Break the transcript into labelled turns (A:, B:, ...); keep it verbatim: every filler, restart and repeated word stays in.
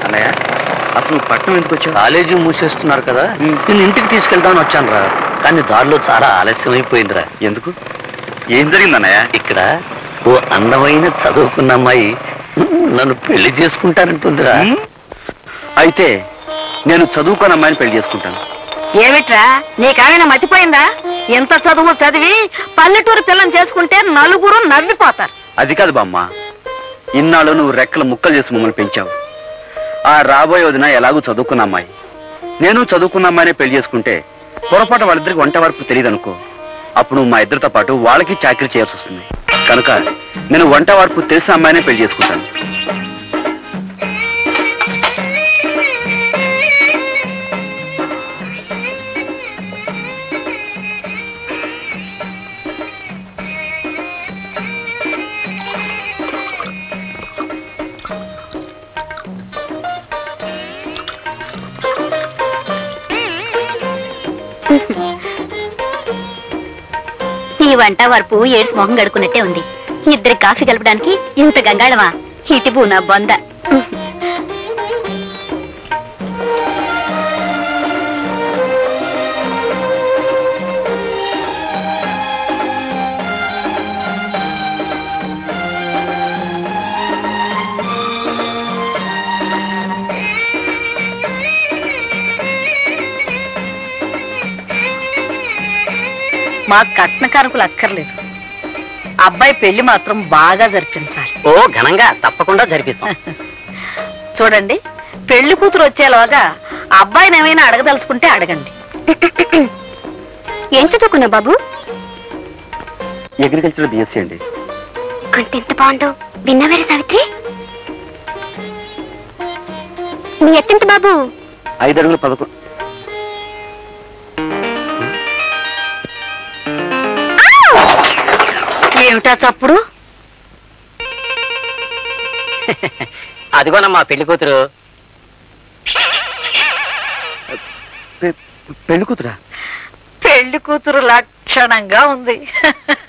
A: అన్నయ్య అసలు పట్నం ఎందుకు వచ్చావు?
B: కాలేజీ మూసేస్తున్నారు కదా, నేను ఇంటికి తీసుకెళ్దామని వచ్చాను రా. కానీ దారిలో చాలా ఆలస్యం అయిపోయిందిరా.
A: ఎందుకు? ఏం జరిగింది అన్నయ్య?
B: ఇక్కడ ఓ అందమైన చదువుకున్న అమ్మాయి నన్ను పెళ్లి చేసుకుంటానంటుందిరా.
A: అయితే నేను చదువుకున్న అమ్మాయిని పెళ్లి చేసుకుంటాను.
C: ఏమిట్రా నీకేమైనా మతిపోయిందా? ఎంత చదువు చదివి పల్లెటూరు పిల్లని చేసుకుంటే నలుగురు నవ్విపోతారు.
A: అది కాదు బామ్మ, ఇన్నాళ్ళు నువ్వు రెక్కలు ముక్కలు చేసి మమ్మల్ని పెంచావు. ఆ రాబోయే వదిన ఎలాగూ చదువుకున్న అమ్మాయి, నేను చదువుకున్న అమ్మాయినే పెళ్లి చేసుకుంటే పొరపాటు వాళ్ళిద్దరికి వంట వరకు తెలియదు అనుకో. అప్పుడు మా ఇద్దరితో పాటు వాళ్ళకి చాకరీ చేయాల్సి వస్తుంది. కనుక నేను వంట వరకు తెలిసిన అమ్మాయినే పెళ్లి చేసుకుంటాను.
D: ఈ వంట వరపు ఏడ్స్ మొహం గడుకున్నట్టే ఉంది. ఇద్దరి కాఫీ కలపడానికి ఇంత గంగాళమా? ఇటు బూనా బొంద.
C: మా కట్న కానుకలు అక్కర్లేదు, అబ్బాయి పెళ్లి మాత్రం బాగా జరిపించాలి.
B: ఓ ఘనంగా తప్పకుండా జరిపిస్తాం.
C: చూడండి, పెళ్లి కూతురు వచ్చేలోగా అబ్బాయిని ఏమైనా అడగదలుచుకుంటే అడగండి.
D: ఏం చదువుకున్నావు బాబు?
A: అగ్రికల్చర్ బిఎస్సీ అండి.
D: కొంత ఎంత బాగుందో విన్నవేరే సావిత్రి. నీ ఎత్తెంత బాబు?
A: ఐదు అడుగులు పదకొండు.
C: ఏమిటా చప్పుడు?
B: అదిగోనమ్మా పెళ్లి కూతురు.
A: పెళ్లి కూతురా?
C: పెళ్లి కూతురు లక్షణంగా ఉంది.